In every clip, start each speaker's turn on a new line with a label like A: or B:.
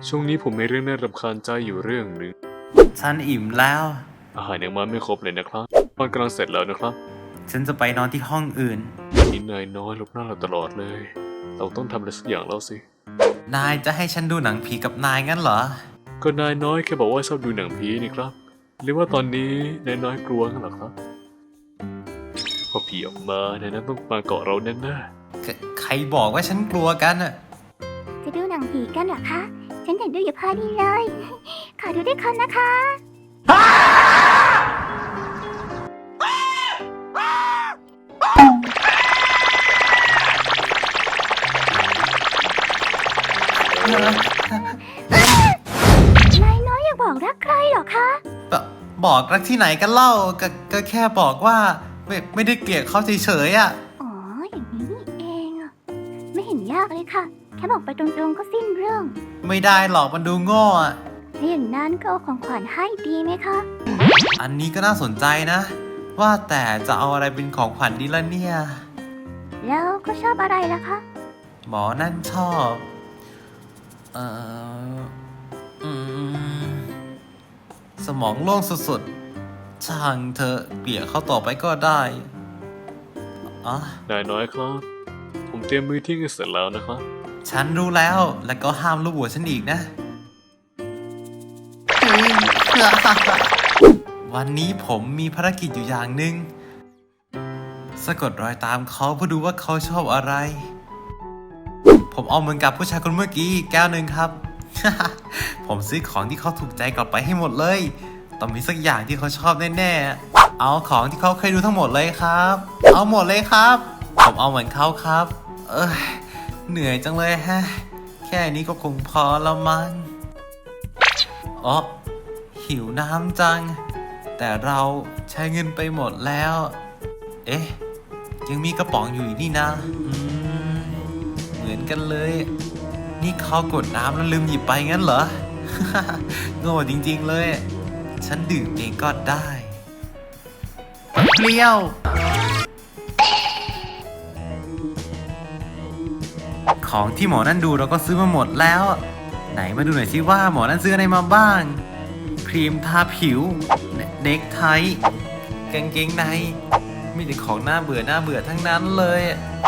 A: ช่วงนี้ผมมีเรื่องน่ารำคาญใจอยู่เรื่องหนึ่ง
B: ฉันอิ่มแล้ว
A: อาหารยังมาไม่ครบเลยนะครับตอนกำลังเสร็จแล้วนะครับ
B: ฉันจะไปนอนที่ห้องอื่น
A: นี่นายน้อยหลบหน้าเราตลอดเลย เราต้องทำอะไรสักอย่างแล้วสิ
B: นายจะให้ฉันดูหนังผีกับนายงั้นเหรอ
A: ก็นายน้อยแค่บอกว่าชอบดูหนังผีนี่ครับ หรือว่าตอนนี้นายน้อยกลัวกันเหรอครับ พอผีออกมานายน้อยต้องมาเกาะเราแน่
B: ใครบอกว่าฉันกลัวกันอะ
C: จะดูหนังผีกันเหรอคะ ฉันอยากดูอยู่พอดีเลย ขอดูด้วยคนนะคะ นายน้อยอยากบอกรักใครเหรอคะ
B: บอกรักที่ไหนกันเล่าก็แค่บอกว่าไม่ได้เกลียดเขาเฉยๆอะ
C: อ๋อ อย่างนี้นี่เองอะไม่เห็นยากเลยค่ะ แค่บอกไปตรงๆก็สิ้นเรื่อง
B: ไม่ได้หรอกมันดูโง่อะ
C: ถ้าอย่างนั้นก็เอาของขวัญให้ดีไหมคะ
B: อันนี้ก็น่าสนใจนะ ว่าแต่จะเอาอะไรเป็นของขวัญดีล่ะเนี่ย
C: แล้วก็ชอบอะไรล่ะคะ
B: หมอนั่นชอบอืมสมองโล่งสุดๆ ช่างเธอเกลี่ยเขาต่อไปก็ได้อ๋อ
A: ๆนายน้อยครับ ผมเตรียมมือเที่ยงให้เสร็จแล้วนะครับ
B: ฉันรู้แล้ว แล้วก็ห้ามลูบหัวฉันอีกนะ วันนี้ผมมีภารกิจอยู่อย่างหนึ่งสะกดรอยตามเขาเพื่อดูว่าเขาชอบอะไร ผมเอาเหมือนกับผู้ชายคนเมื่อกี้แก้วหนึ่งครับ ผมซื้อของที่เขาถูกใจกลับไปให้หมดเลย ต้องมีสักอย่างที่เขาชอบแน่ๆ เอาของที่เขาเคยดูทั้งหมดเลยครับ เอาหมดเลยครับ ผมเอาเหมือนเขาครับ เหนื่อยจังเลยฮะ แค่นี้ก็คงพอแล้วมั้งอ๋อหิวน้ำจัง แต่เราใช้เงินไปหมดแล้ว เอ๊ะ ยังมีกระป๋องอยู่อีกนี่นะเหมือนกันเลย นี่เขากดน้ำแล้วลืมหยิบไปงั้นเหรอ โง่จริงๆเลย ฉันดื่มเองก็ได้เปรี้ยว ของที่หมอนั่นดูเราก็ซื้อมาหมดแล้ว ไหนมาดูหน่อยสิว่าหมอนั่นซื้ออะไรมาบ้าง ครีมทาผิว เนคไทกางเกงในมีแต่ของน่าเบื่อทั้งนั้นเลย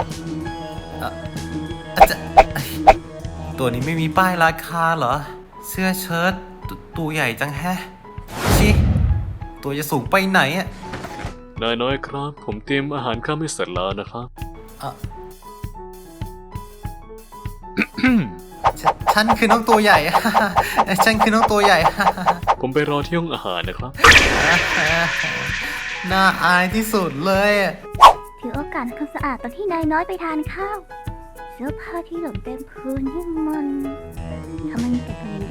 B: ตัวนี้ไม่มีป้ายราคาเหรอ เสื้อเชิ้ตตัวใหญ่จังแฮะชิตัวจะสูงไปไหนอะ
A: นายน้อยครับ ผมเตรียมอาหารข้ามให้เสร็จแล้วนะครับ
B: ฉันคือน้องตัวใหญ่ ฉันคือน้องตัวใหญ่
A: ผมไปรอที่ห้องอาหารนะครับ
B: น่าอายที่สุดเลย
C: ถือโอกาสทำความสะอาดตอนที่นายน้อยไปทานข้าว เสื้อผ้าที่หล่นเต็มพื้นนี่มันทำไมมีแต่กลิ่น